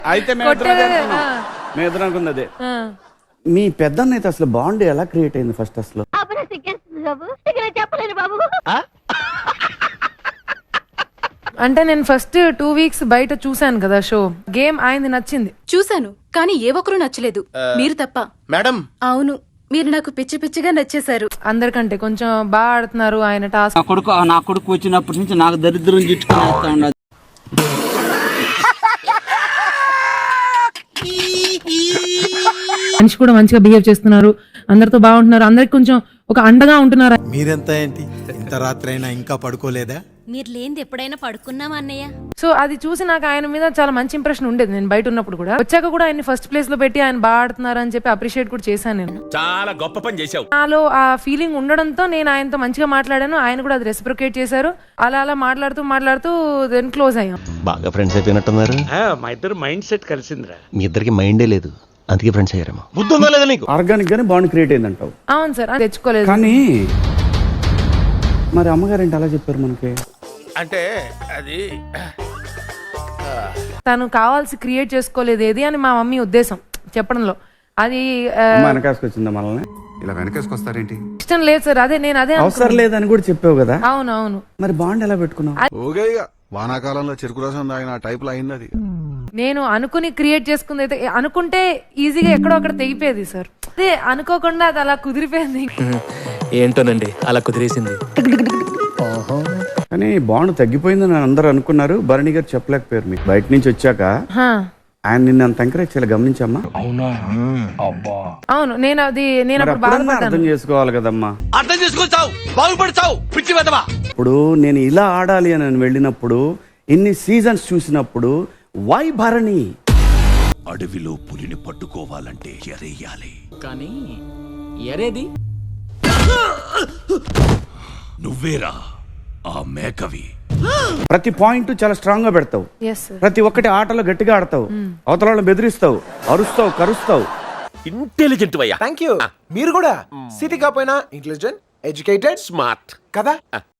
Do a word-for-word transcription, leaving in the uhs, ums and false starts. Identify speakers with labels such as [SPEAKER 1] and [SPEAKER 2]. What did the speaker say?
[SPEAKER 1] అయితే మేము ఇద్దరం అనుకుంది అదే. మీ పెద్దన్న అయితే అసలు బాండ్ ఎలా క్రియేట్ అయింది ఫస్ట్ అసలు?
[SPEAKER 2] అంటే నేను ఫస్ట్ టూ వీక్స్ బయట చూసాను కదా షో. గేమ్ ఆయనది నచ్చింది.
[SPEAKER 3] చూశాను, కానీ ఏ ఒక్కరూ నచ్చలేదు, మీరు తప్ప.
[SPEAKER 4] మేడం
[SPEAKER 3] అవును, మీరు నాకు పిచ్చి పిచ్చిగా నచ్చేశారు.
[SPEAKER 2] అందరికంటే కొంచెం బాగా ఆడుతున్నారు ఆయన టాస్క్.
[SPEAKER 5] నా కొడుకు నా కొడుకు వచ్చినప్పటి నుంచి నాకు దరిద్రం చుట్టుకుని ఉన్నది.
[SPEAKER 2] మనిషి కూడా మంచిగా బిహేవ్ చేస్తున్నారు, అందరితో బాగుంటున్నారు, అందరికి కొంచెం ఒక అండగా ఉంటున్నారు.
[SPEAKER 6] మీరెంత ఏంటి ఇంత రాత్రి అయినా ఇంకా పడుకోలేదా?
[SPEAKER 7] మీరు లేనిది ఎప్పుడైనా పడుకున్నామా అన్నయ్య?
[SPEAKER 2] సో అది చూసి నాకు ఆయన మీద చాలా మంచి ఇంప్రెషన్ ఉండేది. నేను బయట ఉన్నప్పుడు కూడా, వచ్చాక కూడా ఆయన ఫస్ట్ ప్లేస్ లో పెట్టి ఆయన బాగా ఆడుతున్నారు అని చెప్పి అప్రిషియేట్ కూడా చేశాను నేను.
[SPEAKER 4] చాలా గొప్ప పని చేశావు.
[SPEAKER 2] నాలో ఆ ఫీలింగ్ ఉండడంతో నేను ఆయనతో మంచిగా మాట్లాడాను, ఆయన కూడా అది రెసిప్రొకేట్ చేశారు. అలా అలా మాట్లాడుతూ మాట్లాడుతూ దెన్ క్లోజ్ అయ్యాం.
[SPEAKER 8] బాగా ఫ్రెండ్స్ అయిపోయినట్టున్నారు.
[SPEAKER 9] మా ఇద్దరు మైండ్ సెట్ కలిసిందిరా.
[SPEAKER 8] మీ ఇద్దరికి మైండే లేదు, అందుకే ఫ్రెండ్స్ అయ్యారేమో.
[SPEAKER 4] బుద్ధి ఉందా లేదా నీకు?
[SPEAKER 1] ఆర్గానిక్ గానే బాండ్ క్రియేట్ అయింది అంటావు?
[SPEAKER 2] అవును సార్, అది తెచ్చుకోలేదు.
[SPEAKER 1] కానీ మరి అమ్మగారు ఏంటి అలా చెప్పారు మనకి?
[SPEAKER 4] అంటే అది
[SPEAKER 2] తను కావాల్సి క్రియేట్ చేసుకోలేదు ఏది అని మా మమ్మీ ఉద్దేశం చెప్పడంలో. అది
[SPEAKER 1] వెనకాసుకొచ్చిందా మనల్ని?
[SPEAKER 10] ఇలా వెనకేసుకొస్తారేంటి?
[SPEAKER 2] ఇష్టం లేదు సార్. అదే నేను అదే
[SPEAKER 1] అవసరం లేదని కూడా చెప్పావు కదా.
[SPEAKER 2] అవును అవును.
[SPEAKER 1] మరి బాండ్ ఎలా పెట్టుకున్నావు?
[SPEAKER 10] వానాకాలంలో చెరుకు రసం తాగిన టైప్ లో అయింది అది.
[SPEAKER 2] నేను అనుకుని క్రియేట్ చేసుకుంది అయితే, అనుకుంటే ఈజీగా ఎక్కడో అక్కడ తెగిపోయేది సార్. అదే అనుకోకుండా అది అలా కుదిరిపోయింది.
[SPEAKER 9] ఏంటోనండి అలా కుదిరేసింది.
[SPEAKER 1] కానీ బాండ్ తగ్గిపోయిందని అందరూ అనుకున్నారు. భరణి గారు చెప్పలేకపోయారు. మీకు బయట నుంచి వచ్చాక ఆయన నిన్ను అంత ఎంకరేజ్ చేయాలి, గమనించమ్మా.
[SPEAKER 2] అవును, నేను అది నేను అప్పుడు బాధపడ్డాను.
[SPEAKER 1] అర్థం చేసుకోవాలి కదమ్మా.
[SPEAKER 4] అర్థం చేసుకొచ్చావు, బాగుపడతావు, పిచ్చి వెదవా.
[SPEAKER 1] ఇప్పుడు నేను ఇలా ఆడాలి అని వెళ్ళినప్పుడు, ఇన్ని సీజన్స్ చూసినప్పుడు, వై భరణి?
[SPEAKER 4] అడవిలో పులిని పట్టుకోవాలంటే ఎరేయాలి,
[SPEAKER 5] కానీ ఎరేది
[SPEAKER 4] నువ్వేరా ఆ మేకవి.
[SPEAKER 1] ప్రతి పాయింట్ చాలా స్ట్రాంగ్ గా పెడతావు. ప్రతి ఒక్కటి ఆటలో గట్టిగా ఆడతావు, అవతల వాళ్ళని బెదిరిస్తావు, అరుస్తావు, కరుస్తావు.
[SPEAKER 4] ఇంటెలిజెంట్ అయ్యా.
[SPEAKER 6] Thank you. మీరు కూడా సిటీ కాపోయినా ఇంటెలిజెంట్, ఎడ్యుకేటెడ్,
[SPEAKER 4] స్మార్ట్
[SPEAKER 6] కదా.